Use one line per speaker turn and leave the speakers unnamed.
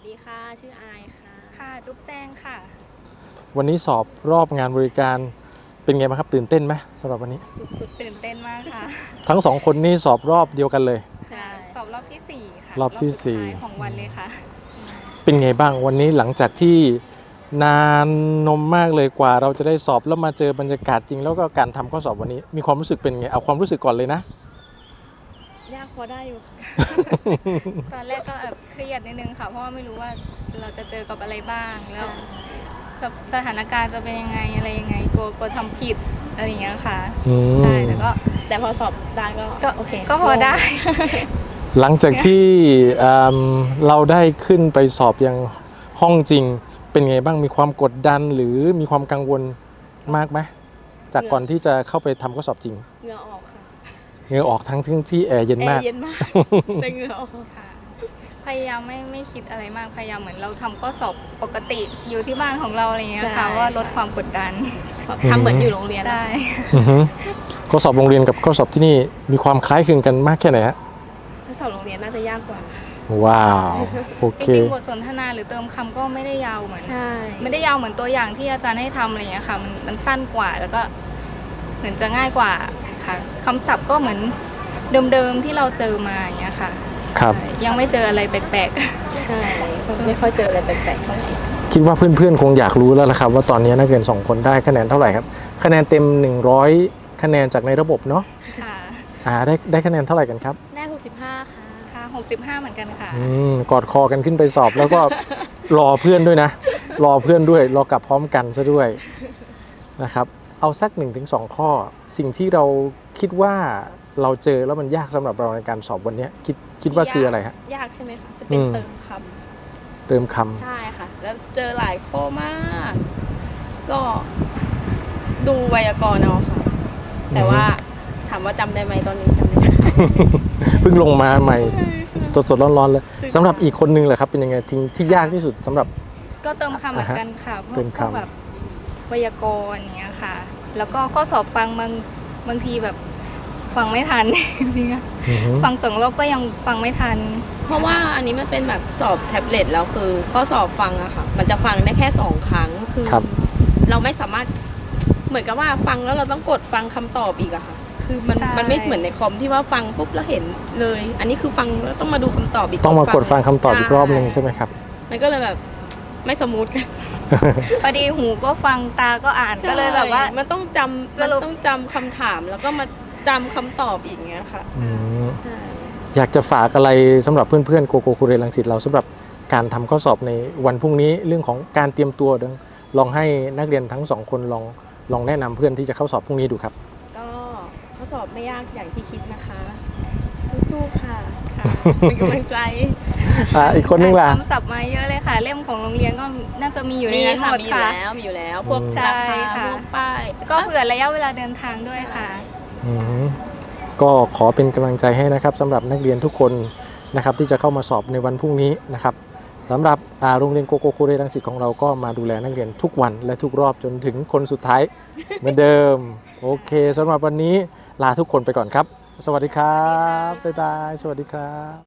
ดีค่ะชื่ออายค่ะ
ค่ะจุ๊บแจ้งค่ะ
วันนี้สอบรอบงานบริการเป็นไงบ้างครับตื่นเต้นไหมสำหรับวันนี้
สุดๆตื่นเต้นมากค่ะ
ทั้งสองคนนี่สอบรอบเดียวกันเลย
ค่ะสอบรอบที่4ค่ะ
รอบที่
สุดท้ายของวันเลยค่ะ
เป็นไงบ้างวันนี้หลังจากที่นานนมมากเลยกว่าเราจะได้สอบแล้วมาเจอบรรยากาศจริงแล้วก็การทำข้อสอบวันนี้มีความรู้สึกเป็นไงเอาความรู้สึกก่อนเลยนะ
ยากพอได้อยู่ค่ะ
ตอนแรกก็แอบเครียดนิดนึงค่ะเพราะว่าไม่รู้ว่าเราจะเจอกับอะไรบ้างแล้วสถานการณ์จะเป็นยังไงอะไรยังไงกลัวทำผิดอะไรอย่างเงี้ยค่ะใช่
แต่พอสอบได้ก็โอเค
ก็พอได้
หลังจากที่เราได้ขึ้นไปสอบยังห้องจริงเป็นไงบ้างมีความกดดันหรือมีความกังวลมากไหมจากก่อนที่จะเข้าไปทำข้อสอบจริง
เหงื่อออกค่ะ
เหงื่อออกทั้งที่แอร์เย็นมาก
แต่เหงื่อออก
ค่ะพยายามไม่คิดอะไรมากพยายามเหมือนเราทำข้อสอบปกติอยู่ที่บ้านของเราอะไรอย่างเงี้ยค่ะว่าลดความกดดัน
ทำเหมือนอยู่โรงเรียน
ใช่
ข้อสอบโรงเรียนกับข้อสอบที่นี่มีความคล้ายคลึงกันมากแค่ไหนฮะ
ข้อสอบโรงเรียนน่าจะยากกว่า
ว้าวโอเค
จริงๆบทสนทนาหรือเติมคำก็ไม่ได้ยาวเหมือนไม่ได้ยาวเหมือนตัวอย่างที่อาจารย์ให้ทำอะไรอย่างเงี้ยค่ะมันสั้นกว่าแล้วก็เหมือนจะง่ายกว่าค่ะคำศัพท์ก็เหมือนเดิมๆที่เราเจอมาอย่างเงี้ยค่ะ
ครับ
ยังไม่เจออะไรแปลก
ๆใช่ไม่ค่อยเจออะไรแปลกๆเท่าไหร่
คิดว่าเพื่อนๆคงอยากรู้แล้วละครับว่าตอนนี้นักเรียน2คนได้คะแนนเท่าไหร่ครับคะแนนเต็ม100คะแนนจากในระบบเนาะ
ค่ะ
ได้คะแนนเท่าไหร่กันครับ
ได้65
ค่ะ65เหมือนกันค่ะ
กอดคอกันขึ้นไปสอบแล้วก็รอเพื่อนด้วยนะรอเพื่อนด้วยรอกลับพร้อมกันซะด้วยนะครับเอาสัก 1-2 ข้อสิ่งที่เราคิดว่าเราเจอแล้วมันยากสำหรับเราในการสอบวันนี้คิดว่าคืออะไรฮะ
ยากใช่ไหมคะจะเป็น
เติมคำ
ใช่ค่ะแล้วเจอหลายข้อมากก็ดูไวยากรณ์เอาค่ะแต่ว่าถามว่าจำได้ไหมตอนนี้จำไม่ได้
เพิ่งลงมาใหม่สดๆร้อนๆเลยสำหรับอีกคนนึงแหละครับเป็นยังไงที่ยากที่สุดสำหรับ
ก็เติมคำเหมือนกันค่ะเพราะแบบไวยากรณ์อย่างเงี้ยค่ะแล้วก็ข้อสอบฟังบางทีแบบฟังไม่ทันจริงๆฟัง2 รอบก็ยังฟังไม่ทัน
เพราะว่าอันนี้มันเป็นแบบสอบแท็บเล็ตแล้วคือข้อสอบฟังอะค่ะมันจะฟังได้แค่2 ครั้งคือเราไม่สามารถเหมือนกับว่าฟังแล้วเราต้องกดฟังคำตอบอีกอะค่ะคือมันไม่เหมือนในคอมที่ว่าฟังปุ๊บแล้วเห็นเลยอันนี้คือฟังแล้วต้องมาดูคำตอบอีก
ต้องมากดฟังคำตอบอีกรอบนึงใช่ไหมครับ
มันก็เลยแบบไม่สมูทกัน
พอดีหูก็ฟังตาก็อ่านก็เลยแบบว่า
มันต้องจำคำถามแล้วก็มาจำคำตอบอีกเงี้ยค่ะ
อยากจะฝากอะไรสำหรับเพื่อนๆโกโก้คูเรรังสิตเราสำหรับการทำข้อสอบในวันพรุ่งนี้เรื่องของการเตรียมตัวลองให้นักเรียนทั้ง2 คนลองแนะนำเพื่อนที่จะเข้าสอบพรุ่งนี้ดูครับ
ก็ข้อสอบไม่ยากอย่างที่คิดนะคะสู้ๆค่ะเป็นกำลังใจ
อีกคนนึงล่ะ
คำศัพท์มาเยอะเลยค่ะเล่มของโรงเรียนก็น่าจะมีอยู่ในนั้นหมดค่ะ
มีอยู่แล้วพวกราคาพวกป้าย
ก็เผื่อระยะเวลาเดินทางด้วยค่ะ
ก็ขอเป็นกำลังใจให้นะครับสำหรับนักเรียนทุกคนนะครับที่จะเข้ามาสอบในวันพรุ่งนี้นะครับสำหรับโรงเรียนโกโก้คูเรรังสิตของเราก็มาดูแลนักเรียนทุกวันและทุกรอบจนถึงคนสุดท้ายเหมือนเดิมโอเคสำหรับวันนี้ลาทุกคนไปก่อนครับสวัสดีครับบ๊ายบายสวัสดีครับ